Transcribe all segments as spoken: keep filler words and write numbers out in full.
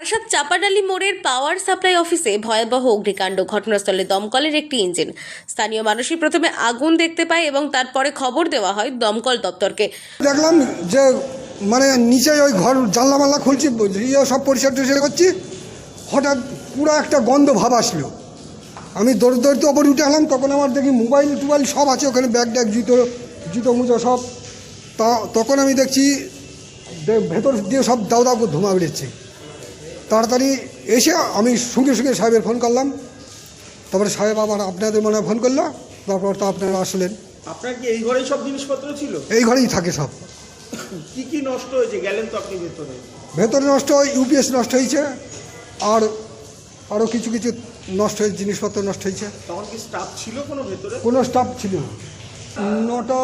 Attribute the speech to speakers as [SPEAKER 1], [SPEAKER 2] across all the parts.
[SPEAKER 1] বারাসাত চাপাডালি মোড়ের power supply অফিসে ভয়াবহ অগ্নিকাণ্ড। ঘটনাস্থলে দমকলের একটি ইঞ্জিন। স্থানীয় মানুষই প্রথমে আগুন দেখতে পায় এবং তারপরে খবর দেওয়া হয় দমকল দপ্তরকে।
[SPEAKER 2] দেখলাম যে মানে নিচে ওই ঘর জানলা মাল্লা খুলছি, ইয়ে সব পরিষ্কার টরিষ্কার করছি, হঠাৎ পুরো একটা গন্ধ ভাব আসলো। আমি দৌড় দৌড়তে ওপরে উঠে এলাম, তখন আমার দেখি মোবাইল টোবাইল সব আছে ওখানে, ব্যাগ ট্যাগ জুতো জুতো মুজো সব। তা তখন আমি দেখছি ভেতর দিয়ে সব দাউ দাউ করে ধোঁয়া বেরোচ্ছে। তাড়াতাড়ি এসে আমি সঙ্গে সঙ্গে সাহেবের ফোন করলাম। তারপরে সাহেব আবার আপনাদের মনে হয় ফোন করলো, তারপর তো আপনারা আসলেন।
[SPEAKER 3] আপনার কি এই ঘরেই সব জিনিসপত্র ছিল?
[SPEAKER 2] এই ঘরেই থাকে সব।
[SPEAKER 3] কি কি নষ্ট হয়েছে? গেলেন তো আপনি ভেতরে?
[SPEAKER 2] ভেতরে নষ্ট হয়, ইউপিএস নষ্ট হয়েছে, আর আরও কিছু কিছু নষ্ট হয়েছে, জিনিসপত্র নষ্ট হয়েছে।
[SPEAKER 3] তখন কি স্টাফ ছিল কোনো ভেতরে?
[SPEAKER 2] কোনো স্টাফ ছিল না। নটা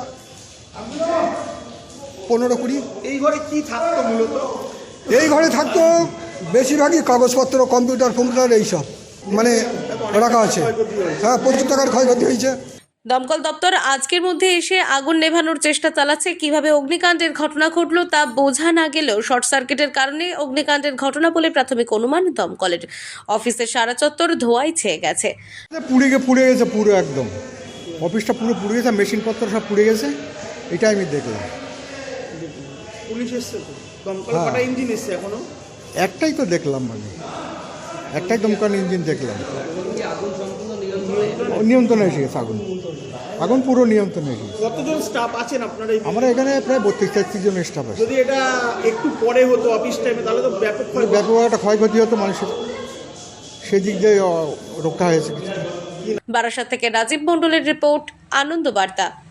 [SPEAKER 2] পনেরো কুড়ি।
[SPEAKER 3] এই ঘরে কি থাকতো মূলত?
[SPEAKER 2] এই ঘরে থাকতো বেশিরভাগই কাগজপত্র, কম্পিউটার ফম্পিউটার এইসব মানে রাখা আছে। হ্যাঁ, প্রচুর টাকার ক্ষয়ক্ষতি হয়েছে।
[SPEAKER 1] দমকল দপ্তর আজকের মধ্যে এসে আগুন নেভানোর চেষ্টা চালাচ্ছে। কিভাবে অগ্নিকাণ্ডের ঘটনা ঘটলো তা বোঝা না গেলেও শর্ট সার্কিটের কারণে অগ্নিকাণ্ডের ঘটনা বলে প্রাথমিক অনুমান দমকলের। অফিসের সারা চত্বর ধোঁয়ায় ছেয়ে গেছে।
[SPEAKER 4] পুড়ে গে পুড়ে গেছে পুরো, একদম অফিসটা পুরো পুড়ে গেছে, মেশিনপত্র সব পুড়ে গেছে। এটা আমি দেখলাম।
[SPEAKER 3] পুলিশ এসছে তো? দমকল
[SPEAKER 4] হ্যাঁ।
[SPEAKER 3] কটা ইঞ্জিন এসছে এখনো?
[SPEAKER 4] একটাই তো দেখলাম, মানে একটাই দমকল ইঞ্জিন দেখলাম। নিয়ন্ত্রণে এসে গেছে আগুন, আগুন পুরো নিয়ন্ত্রণে এসে গেছে।
[SPEAKER 3] কতজন স্টাফ আছেন আপনার এই?
[SPEAKER 4] আমরা এখানে প্রায় বত্রিশ তেত্রিশ জন স্টাফ আছে।
[SPEAKER 3] যদি এটা একটু পরে হতো অফিস টাইমে তাহলে তো ব্যাপক ক্ষয়।
[SPEAKER 4] ব্যাপক একটা ক্ষয়ক্ষতি হতো মানুষের, সেদিক দিয়ে রক্ষা হয়েছে কিছুটা।
[SPEAKER 1] বারাসাত থেকে রাজীব মণ্ডলের রিপোর্ট, আনন্দ বার্তা।